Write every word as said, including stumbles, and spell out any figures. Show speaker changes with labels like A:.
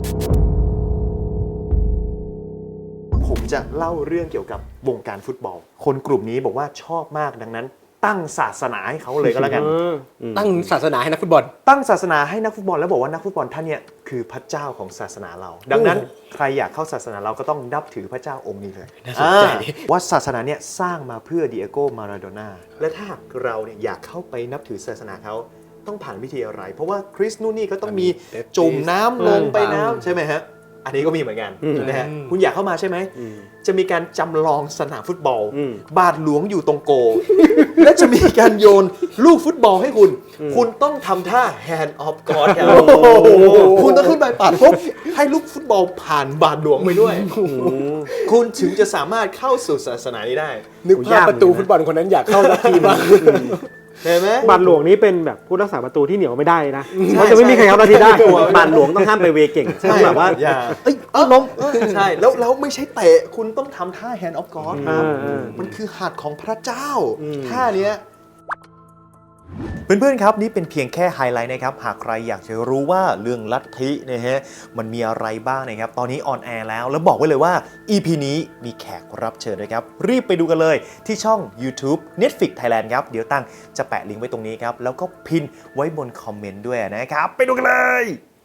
A: ผมจะเล่าเรื่องเกี่ยวกับวงการฟุตบอลคนกลุ่มนี้บอกว่าชอบมากดังนั้นตั้งศาสนาให้เขาเลยก็แล้วกัน
B: ตั้งศาสนาให้นักฟุตบอล
A: ตั้งศาสนาให้นักฟุตบอลแล้วบอกว่านักฟุตบอลท่านเนี่ยคือพระเจ้าของศาสนาเราดังนั้นใครอยากเข้าศาสนาเราก็ต้องนับถือพระเจ้าองค์นี้เลยว่าศาสนาเนี่ยสร้างมาเพื่อดิเอโกมาราโดน่าและถ้าเราเนี่ยอยากเข้าไปนับถือศาสนาเขาต้องผ่านวิธีอะไรเพราะว่าคริสต์นู่นนี่ก็ต้องมีจุ่มน้ำลงไปน้ำใช่ไหมฮะอันนี้ก็มีเหมือนกันนะฮะคุณอยากเข้ามาใช่ไหมจะมีการจำลองสนามฟุตบอลบาทหลวงอยู่ตรงโกและจะมีการโยนลูกฟุตบอลให้คุณคุณต้องทำท่า hand of God คุณต้องขึ้นไปปัดปุ๊บให้ลูกฟุตบอลผ่านบาทหลวงไปด้วยคุณถึงจะสามารถเข้าสู่ศาสนานี้ได้
B: นึกภาพประตูฟุตบอลคนนั้นอยากเข้าสักทีมาก
A: เห็นไหม
C: บาทหลวงนี้เป็นแบบผู้รักษาประตูที่เหนียวไม่ได้นะเพราะจะไม่มีใครเข้านาทีได้
D: บาทหลวงต้องห้ามไปเวเก่งต้องแบบว่า
A: เอ้ยล้มใช่แล้วแล้วไม่ใช่เตะคุณต้องทำท่า hand of God ครับมันคือหัตถ์ของพระเจ้าท่าเนี้ยเพื่อนๆครับนี่เป็นเพียงแค่ไฮไลท์นะครับหากใครอยากจะรู้ว่าเรื่องลัทธินะฮะมันมีอะไรบ้างนะครับตอนนี้ออนแอร์แล้วแล้วบอกไว้เลยว่า อี พี นี้มีแขกรับเชิญด้วยครับรีบไปดูกันเลยที่ช่อง YouTube Netflix Thailand ครับเดี๋ยวตั้งจะแปะลิงก์ไว้ตรงนี้ครับแล้วก็พินไว้บนคอมเมนต์ด้วยนะครับไปดูกันเลย